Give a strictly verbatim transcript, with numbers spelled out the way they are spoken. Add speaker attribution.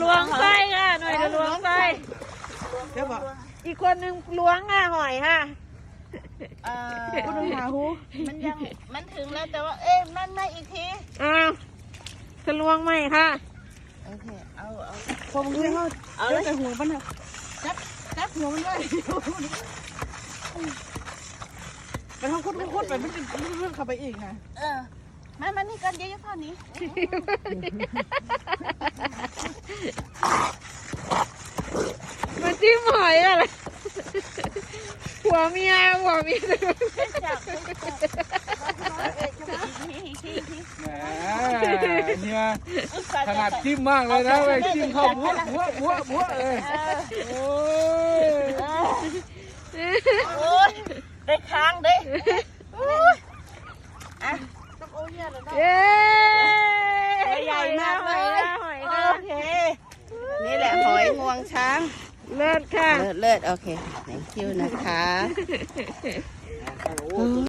Speaker 1: ล้วงไส้ค่ะหน่อยจะล้วงไส้
Speaker 2: เดี๋ยวบอก
Speaker 1: อีกคนนึงล้วงค่ะหอยค่ะ
Speaker 3: เอ่อ
Speaker 2: คุณต้องหาหู
Speaker 3: มันยังมันถึงแล้วแต่ว่าเอ๊ะนั่นมาอีกที
Speaker 1: อ้าวจะล้วงไหมค่ะ
Speaker 3: โอเคเอาเอา
Speaker 2: พอมึงเลยเขา
Speaker 3: เอา
Speaker 2: เอา
Speaker 3: เลย
Speaker 2: แต่หัวมันนะจับจับหัวมันไว้ไปทำคุดคุดไปมันจะเรื่องเข้าไปอีกนะ
Speaker 3: เออมามานี่กันเยอะๆเท่านี้
Speaker 1: มาจิ้มหอยอะไรหัวเมียหัวเมีย
Speaker 3: จับ
Speaker 4: แหมเนี่ยขนาดจิ้มมากเลยนะเว้ยจิ้มเข้าหัวหัวหัวหัวเลยโอ้ย
Speaker 3: โอ้ยได้ค้างเด้อ่ะ
Speaker 1: เย้
Speaker 3: ใหญ่มากเลย
Speaker 1: หอย
Speaker 3: โอ
Speaker 1: ค่ะ
Speaker 3: เคนี่แหละหอยงวงช้าง
Speaker 1: เลิศค่ะ
Speaker 3: เลิศเลิศโอเค thank you นะคะ